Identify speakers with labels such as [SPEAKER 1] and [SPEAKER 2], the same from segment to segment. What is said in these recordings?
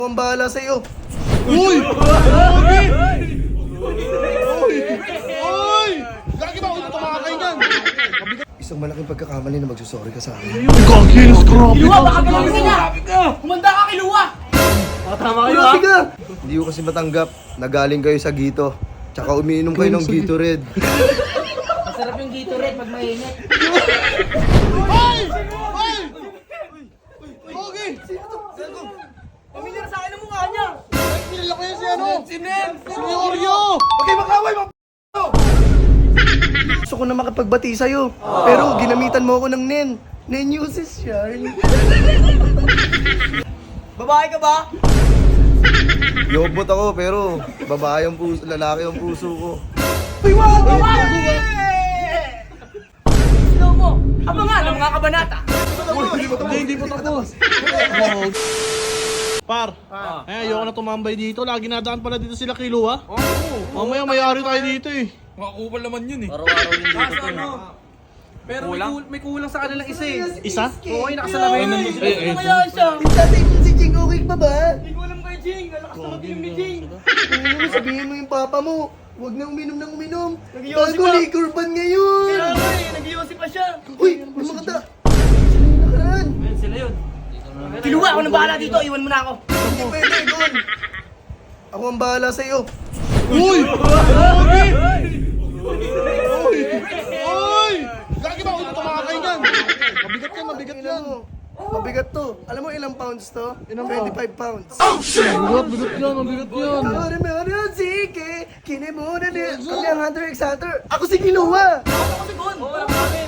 [SPEAKER 1] Ang bahala sa'yo.
[SPEAKER 2] Uy! Uy! Uy! Lagi ba ako tumakay niyan?
[SPEAKER 1] Isang malaking pagkakamali na magsusorry ka sa akin.
[SPEAKER 2] Gagilis, grabe
[SPEAKER 3] Kiluwa,
[SPEAKER 2] ka!
[SPEAKER 3] baka palamusin na! Humanda ka, Kiluwa! Tama kayo, ha?
[SPEAKER 1] Grabe ka! Hindi ko kasi matanggap na galing kayo sa Gito. Tsaka umiinom kayo ng Gatorade.
[SPEAKER 3] Masarap yung Gatorade pag mainit.
[SPEAKER 2] Hoy! Hoy! Pogi!
[SPEAKER 3] Pamilyar sa akin ang mukha niya!
[SPEAKER 2] Kilala ko yan si ano?
[SPEAKER 3] Si Nen!
[SPEAKER 2] Si Oreo!
[SPEAKER 1] Okay, makaway mo! Gusto ko na makipagbati sa'yo. Pero ginamitan mo ako ng Nen. Nen uses yarn.
[SPEAKER 3] Babae ka ba?
[SPEAKER 1] Yobot ako pero babae ang puso, lalaki ang puso ko.
[SPEAKER 3] Uy, wag! Slow mo! Abangan ang mga kabanata!
[SPEAKER 2] Hindi po tapos. Par, ayoko na tumambay dito. Lagi nadaan pala dito sila Kiluwa. Mamaya mayari tayo dito eh.
[SPEAKER 4] Makakupal naman yun eh.
[SPEAKER 3] Araw-araw yung dito to.
[SPEAKER 4] Pero may kulang sa kanilang isa eh.
[SPEAKER 2] Isa?
[SPEAKER 4] Oo, yung nakasalamin.
[SPEAKER 3] Ano kaya siya?
[SPEAKER 1] Tatay mo si Jing, okay pa ba?
[SPEAKER 3] Hindi ko alam kay Jing. Lalakas na mag-inom ni Jing.
[SPEAKER 1] Sabihin mo yung papa mo. Huwag na uminom ng uminom.
[SPEAKER 3] Nagyosi
[SPEAKER 1] Bago
[SPEAKER 3] pa.
[SPEAKER 1] liquor ban ngayon.
[SPEAKER 3] Kaya nga eh, nag-iossi pa siya.
[SPEAKER 1] Uy, may mga ta. Sino yung nakaraan?
[SPEAKER 4] Sila yun.
[SPEAKER 3] Kiluwa, ako nang bahala dito. Iwan mo na ako.
[SPEAKER 1] Hindi pwede, Gon. Ako ang bahala sa'yo.
[SPEAKER 2] Uy! Pogi! Uy! Uy! Lagi ba ako tumakay niyan? Mabigat yan, mabigat yan.
[SPEAKER 1] Tingnan mo. Mabigat to. Alam mo ilang pounds to?
[SPEAKER 2] Ilang
[SPEAKER 1] 25 pounds.
[SPEAKER 2] Mabigat yan, mabigat yan.
[SPEAKER 1] Sige, kinemuna niya. Kami ang Hunter x Hunter. Ako si Kiluwa.
[SPEAKER 3] Ako si Gon. Oo, alam namin.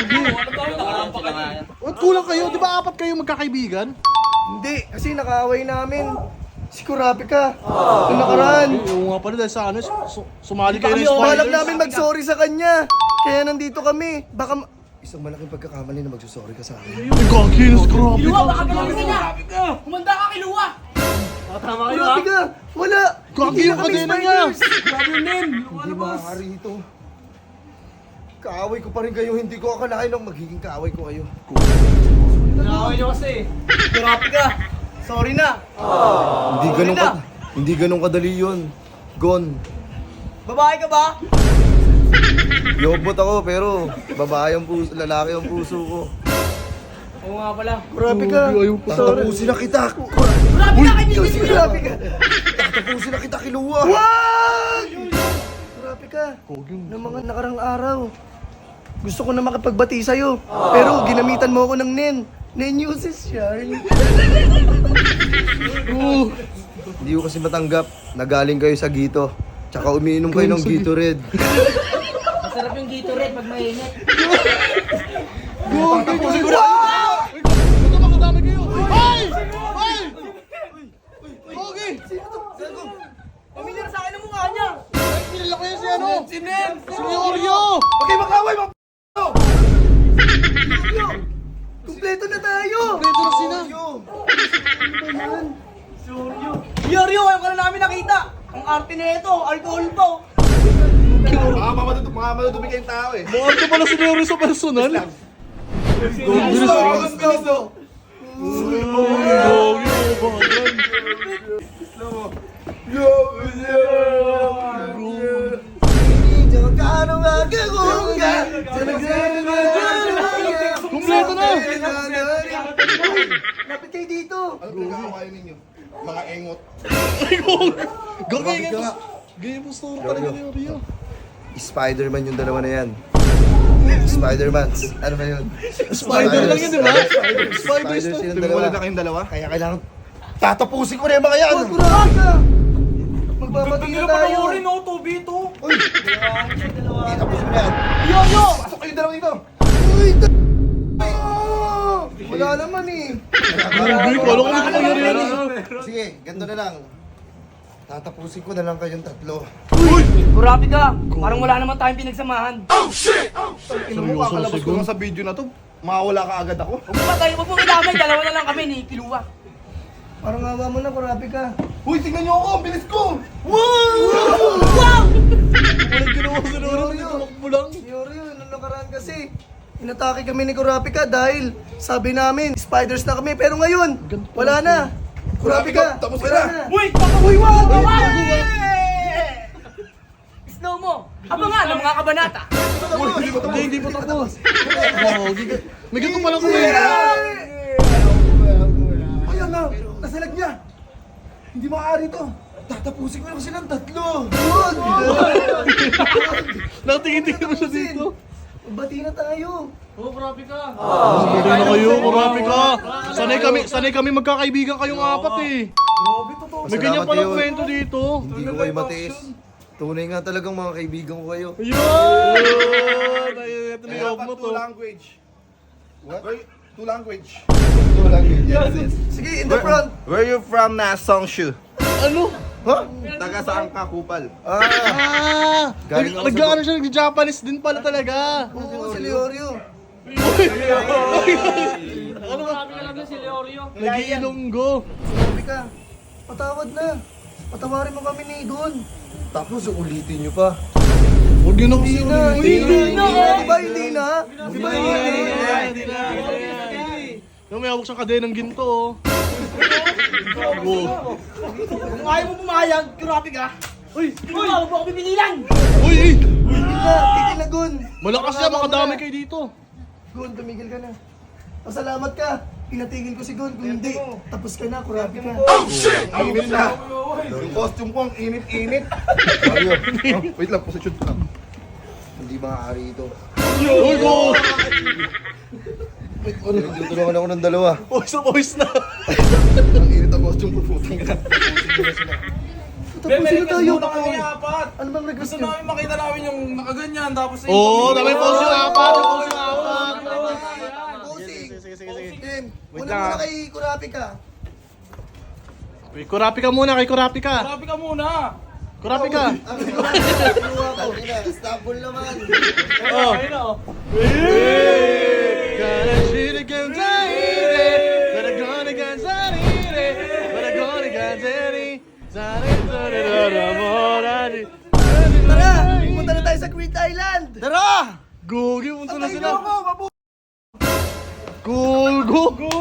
[SPEAKER 2] At kulang kayo, di ba apat kayo magkakaibigan?
[SPEAKER 1] Hindi, kasi nakaaway namin. Si Kurapika. Yung nakaraan.
[SPEAKER 2] Oo nga pala dahil sa ano, sumali kayo ng
[SPEAKER 1] Balak
[SPEAKER 2] spiders.
[SPEAKER 1] namin mag-sorry sa kanya. Kaya nandito kami. Baka isang malaking pagkakamali na magsusorry ka sa akin.
[SPEAKER 2] Gagilis, grabe
[SPEAKER 3] Kiluwa,
[SPEAKER 2] ka!
[SPEAKER 3] baka palamusin na! Humanda ka, Kiluwa! Tama kayo, ha?
[SPEAKER 1] Kurapika, wala.
[SPEAKER 2] Gagi
[SPEAKER 1] Hindi na
[SPEAKER 2] yung
[SPEAKER 1] kami
[SPEAKER 2] kadena niya.
[SPEAKER 1] spiders.
[SPEAKER 3] Grabe yun, Nen!
[SPEAKER 1] Hindi maaari ito. Kaaway ko pa rin kayo. Hindi ko akalain nang magiging kaaway ko kayo.
[SPEAKER 3] Nakaway niyo kasi.
[SPEAKER 1] Kurapika, sorry na. Hindi ganun kadali yun. Gon.
[SPEAKER 3] Babae ka ba?
[SPEAKER 1] Yobot ako pero babae ang puso, lalaki ang puso ko.
[SPEAKER 3] Oo nga pala.
[SPEAKER 1] Kurapika,
[SPEAKER 2] Ayaw pa.
[SPEAKER 1] tatapusin na kita.
[SPEAKER 3] Grabe na, kaibigan mo yun!
[SPEAKER 1] Kurapika, tatapusin na kita, Kiluwa. Wag! Kurapika, ng mga nakarang araw, gusto ko na makipagbati sa'yo. Pero ginamitan mo ako ng Nen. Nen uses yarn. Hindi ko kasi matanggap na galing kayo sa Gito. Tsaka umiinom kayo ng Gatorade.
[SPEAKER 3] Masarap yung Gatorade pag mainit.
[SPEAKER 1] Tatapusin ko na!
[SPEAKER 2] Ito mga dami kayo! Hoy! Hoy! Pogi!
[SPEAKER 3] Pamilyar sa akin ang mukha niya.
[SPEAKER 2] Kilala ko yan si ano?
[SPEAKER 3] Si Nen!
[SPEAKER 2] Si Oreo!
[SPEAKER 1] Okay, makaway mo! Kumpleto na tayo!
[SPEAKER 2] Preto na sina!
[SPEAKER 3] Yoryo, ayaw ka na namin nakita. Ang arte na ito, alcohol pa.
[SPEAKER 1] Mga madudumi kayong tao eh.
[SPEAKER 2] Mukhang ka pala si Oreo sa personal.
[SPEAKER 1] Bilis to!
[SPEAKER 2] Kumpleto na!
[SPEAKER 1] Lapit kayo dito!
[SPEAKER 5] Ano pinag-aawayan ninyo? Mga engot.
[SPEAKER 2] Gagay nga! Ganyan po store talaga ni Oreo.
[SPEAKER 1] Spider-Man yung dalawa na yan. Spider-Man. Ano ba yun?
[SPEAKER 2] Spider lang yun, di ba? Spiders na.
[SPEAKER 1] silang
[SPEAKER 5] Tumawala
[SPEAKER 1] dalawa.
[SPEAKER 5] na kayong dalawa?
[SPEAKER 1] Kaya kailangan tatapusin ko na yung mga yan! Magbabati na tayo!
[SPEAKER 3] no, 2v2.
[SPEAKER 1] Uy! Tapusin mo na yan!
[SPEAKER 3] Yoryo!
[SPEAKER 1] Pasok kayong dalawa dito! Uy! Wala naman eh!
[SPEAKER 2] Grabe, kala ko na nangyari yan.
[SPEAKER 1] Sige, ganito na lang. Tatapusin ko na lang kayong tatlo.
[SPEAKER 3] Grabe ka. Parang wala naman tayong pinagsamahan.
[SPEAKER 5] Ino mo, kakalabas ko lang sa video na to. Makawala ka agad ako.
[SPEAKER 3] Huwag pa tayo, huwag mo idamay. Dalawa na lang kami ni Kiluwa.
[SPEAKER 1] Parang awa mo na, Kurapi ka.
[SPEAKER 5] Uy, tingnan niyo ako! Ang bilis ko!
[SPEAKER 3] Wow!
[SPEAKER 2] Walang ginawa si Oreo, hindi tumakbo lang.
[SPEAKER 1] Yoryo, nung nakaraan kasi, inatake kami ni Kurapi ka dahil sabi namin, spiders na kami. Pero ngayon, wala na. Kurapi ka!
[SPEAKER 5] Tapos ka
[SPEAKER 1] Wala
[SPEAKER 5] na.
[SPEAKER 3] Uy!
[SPEAKER 1] Uy, wag!
[SPEAKER 3] Snow mo! Abangan ng mga kabanata!
[SPEAKER 2] Hindi pa tapos. May ganito pala ko eh.
[SPEAKER 1] Ayan na! Nasalag niya! Hindi maaari to! Tatapusin ko lang silang tatlo! Wag!
[SPEAKER 2] Nakatingin-tingin mo siya dito.
[SPEAKER 1] Bati na tayo!
[SPEAKER 2] Hindi na kayo, kurapi ka. Sanay kami magkakaibigan kayong apat eh. May ganyan palang kwento dito.
[SPEAKER 1] Hindi ko kayo matiis. Tunay nga talagang mga kaibigan ko kayo.
[SPEAKER 2] Ayun! Ayun, ito na yung mo to.
[SPEAKER 5] Two language. What? Two language. Two language. Yes.
[SPEAKER 1] Sige, in the front!
[SPEAKER 5] Where you from na Songshu?
[SPEAKER 2] Ano?
[SPEAKER 1] Ha?
[SPEAKER 5] Taga saan ka, Kupal?
[SPEAKER 2] Ah!
[SPEAKER 1] Galing ako sa-
[SPEAKER 2] Nag-ano siya, nag-Japanese din pala talaga.
[SPEAKER 1] Oo, si Leorio.
[SPEAKER 2] Ano ba? Nag-iilonggo.
[SPEAKER 1] Sabi ka, patawad na. Patawarin mo kami ni Don. Tapos ulitin nyo pa.
[SPEAKER 2] Huwag yun ako
[SPEAKER 1] Hindi na, hindi na. Di ba hindi na? Di ba hindi na?
[SPEAKER 2] Yung may hawak siyang kadenang ginto oh.
[SPEAKER 3] Kung ayaw mo pumayag, kurapi ka! Uy! Uy! Huwag mo ako pipililan!
[SPEAKER 2] Uy!
[SPEAKER 1] Tigil na, tigil na Gun.
[SPEAKER 2] Malakas yan, makadami kayo dito.
[SPEAKER 1] Gun, tumigil ka na. Pasalamat ka. Pinatigil ko si Gun. Kung hindi, tapos ka na, kurapi ka.
[SPEAKER 5] Init na. Yung costume ko ang init-init. Mario, wait lang, position ko lang.
[SPEAKER 1] Hindi maaari ito.
[SPEAKER 2] Uy, go!
[SPEAKER 1] Tutulungan ako ng dalawa.
[SPEAKER 2] Voice na.
[SPEAKER 5] Ang init ang costume ko, putang ina.
[SPEAKER 1] Tapusin na tayo.
[SPEAKER 4] kami apat.
[SPEAKER 1] Ano bang request
[SPEAKER 4] Gusto
[SPEAKER 1] nyo?
[SPEAKER 4] namin makita namin yung nakaganyan, tapos
[SPEAKER 2] Oo, dami pose yung apat. Yung pose yung apat.
[SPEAKER 1] Posing.
[SPEAKER 2] Sige.
[SPEAKER 1] Tim,
[SPEAKER 2] Wait
[SPEAKER 1] una
[SPEAKER 2] lang,
[SPEAKER 1] muna
[SPEAKER 2] ah.
[SPEAKER 1] kay kurapi ka.
[SPEAKER 2] Wait, kurapi ka muna, kay kurapi ka.
[SPEAKER 4] Grabe ka muna.
[SPEAKER 2] Kurapi ka.
[SPEAKER 1] Istanbul naman.
[SPEAKER 2] Oh. Gonna shoot again, Zaire. Gonna go again, Zaire. Gonna go again, Zaire.
[SPEAKER 1] Tara, pumunta na tayo sa Crete Island.
[SPEAKER 2] Tara! Gogi, punta na sila. Go!